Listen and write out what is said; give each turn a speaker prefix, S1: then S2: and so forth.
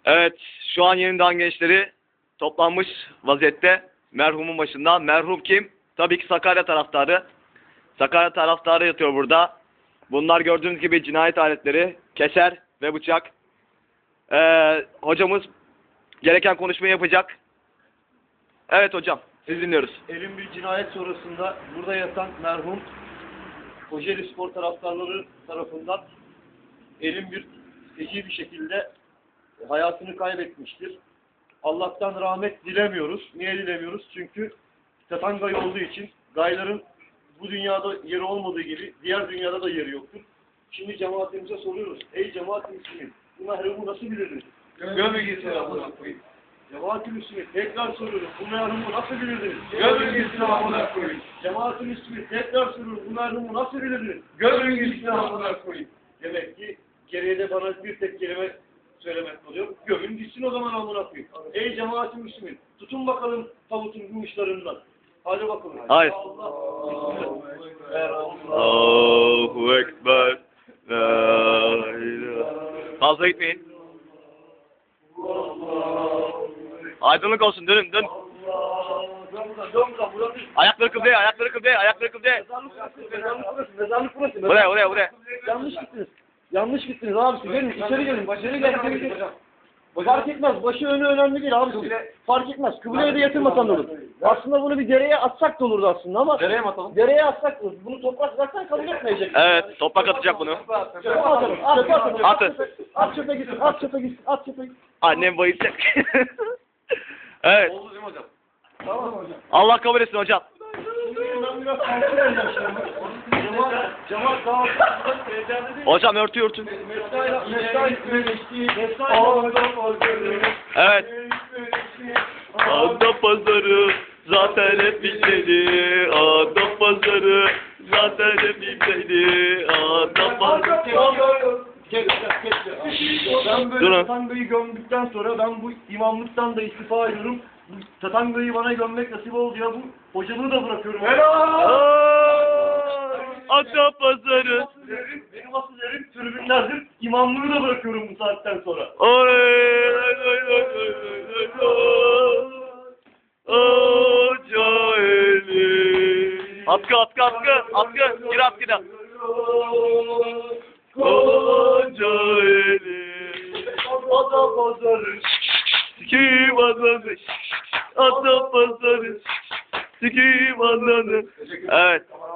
S1: Evet, şu an Yeniden gençleri toplanmış vaziyette merhumun başında. Merhum kim? Tabii ki Sakarya taraftarı. Sakarya taraftarı yatıyor burada. Bunlar gördüğünüz gibi cinayet aletleri, keser ve bıçak. Hocamız gereken konuşmayı yapacak. Evet hocam, siz dinliyoruz.
S2: Elin bir cinayet sonrasında burada yatan merhum Kocaeli Spor taraftarları tarafından elin bir feci bir şekilde hayatını kaybetmiştir. Allah'tan rahmet dilemiyoruz. Niye dilemiyoruz? Çünkü Tatangay olduğu için gayların bu dünyada yeri olmadığı gibi diğer dünyada da yeri yoktur. Şimdi cemaatimize soruyoruz. Ey cemaat-i Müslümin, bu merhumu nasıl bilirdiniz?
S3: Gömü gitsin amına koyayım.
S2: Cemaat-i Müslümin, tekrar soruyorum. Bu merhumu nasıl bilirdiniz?
S3: Gömü gitsin amına koyayım.
S2: Cemaat-i Müslümin, tekrar soruyorum. Bu merhumu nasıl bilirdiniz?
S3: Gömü gitsin amına koyayım.
S2: Demek ki geriye de bana bir tek kelime söylemek oluyor. Gömün gitsin o zaman amına koyayım. Ey cemaat-i Müslümin, tutun bakalım tavutun bu uçlarından. Hadi bakalım.
S1: Hayır.
S2: Allah.
S1: Allahu Ekber. La ilahe. Fazla gitmeyin. Aydınlık olsun, dönün, dön. Ayakları kıbleye, ayakları kıbleye, ayakları kıbleye.
S2: Mezarlık burası.
S1: Buraya.
S2: Yanlış gittiniz. Yanlış gittiniz abisi. Gelin içeri gelin. İçeri gelin. Fark etmez. Başı önü önemli değil abisi. Fark etmez. Kıbleye de yatırmasan da olur. Aslında bunu bir dereye atsak da olurdu aslında ama. Dereye mi atalım? Dereye atsak da olur. Bunu toprak zaten kabul etmeyecek.
S1: Evet, toprak atacak bunu.
S2: Çöpe atalım. Atın.
S1: Atın.
S2: At çöpe gitsin. At çöpe gitsin. At çöpe gitsin.
S1: Annem bayılacak. Evet.
S3: Oldu değil mi hocam?
S2: Tamam hocam.
S1: Allah kabul etsin hocam.
S2: Ben biraz kontrol edeceğim şimdi. Cemaat daha
S1: Hocam örtün. Evet. Ada pazarı zaten hep bizdeydi. Ada pazarı zaten hep bizdeydi. Ada pazarı.
S2: Ben böyle
S1: Durun.
S2: Tatangay'ı gömdükten sonra ben bu imamlıktan da istifa ediyorum. Bu Tatangay'ı bana gömmek nasip oldu ya, bu hocalığı da bırakıyorum.
S1: Ada pazarı.
S2: Benim asıl yerim tribünlerdir. İmamlığı da bırakıyorum bu saatten sonra.
S1: Atkı. Gir atkıda. Kocaeli.
S2: Ada pazarı.
S1: Sikiyim ananı. Ada pazarı. Sikiyim ananı. Evet.